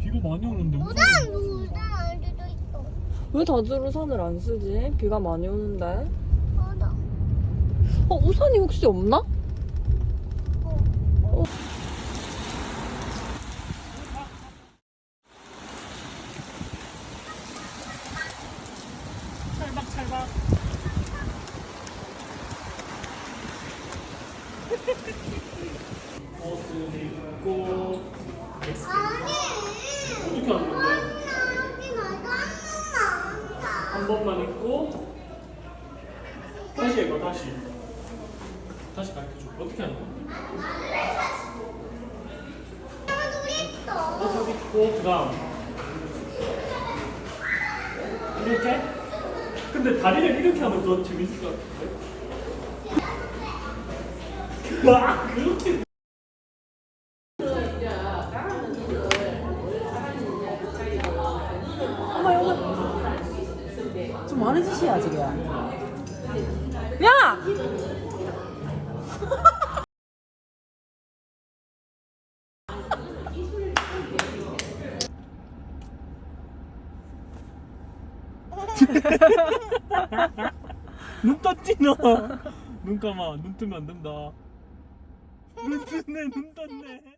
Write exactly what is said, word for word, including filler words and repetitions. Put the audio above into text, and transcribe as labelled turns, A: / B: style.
A: 비가 많이 오는데 우산.
B: 우산 우산 안 돼도 있어.
C: 왜 다들 우산을 안 쓰지? 비가 많이 오는데.
B: 맞아.
C: 어, 우산이 혹시 없나?
B: 어.
A: 찰박 찰박. 옷을 입고 데스크.
B: 아니.
A: 어떻게 하는 건데?
B: 하지 말고 한 번만.
A: 한 번만 입고 다시 해봐. 다시 다시 가르쳐줘. 어떻게 하는 거야?
B: 하나도 있어.
A: 옷을 입고 그 다음 이렇게? 근데 다리를 이렇게 하면 더 재밌을 것 같은데? 와 그렇게
C: 엄마, 여기. 좀 많은 짓이야, 지금. 야!
A: 눈 떴지 너? 눈 감아. 눈 뜨면 안 된다. 눈 뜨네 눈 떴네.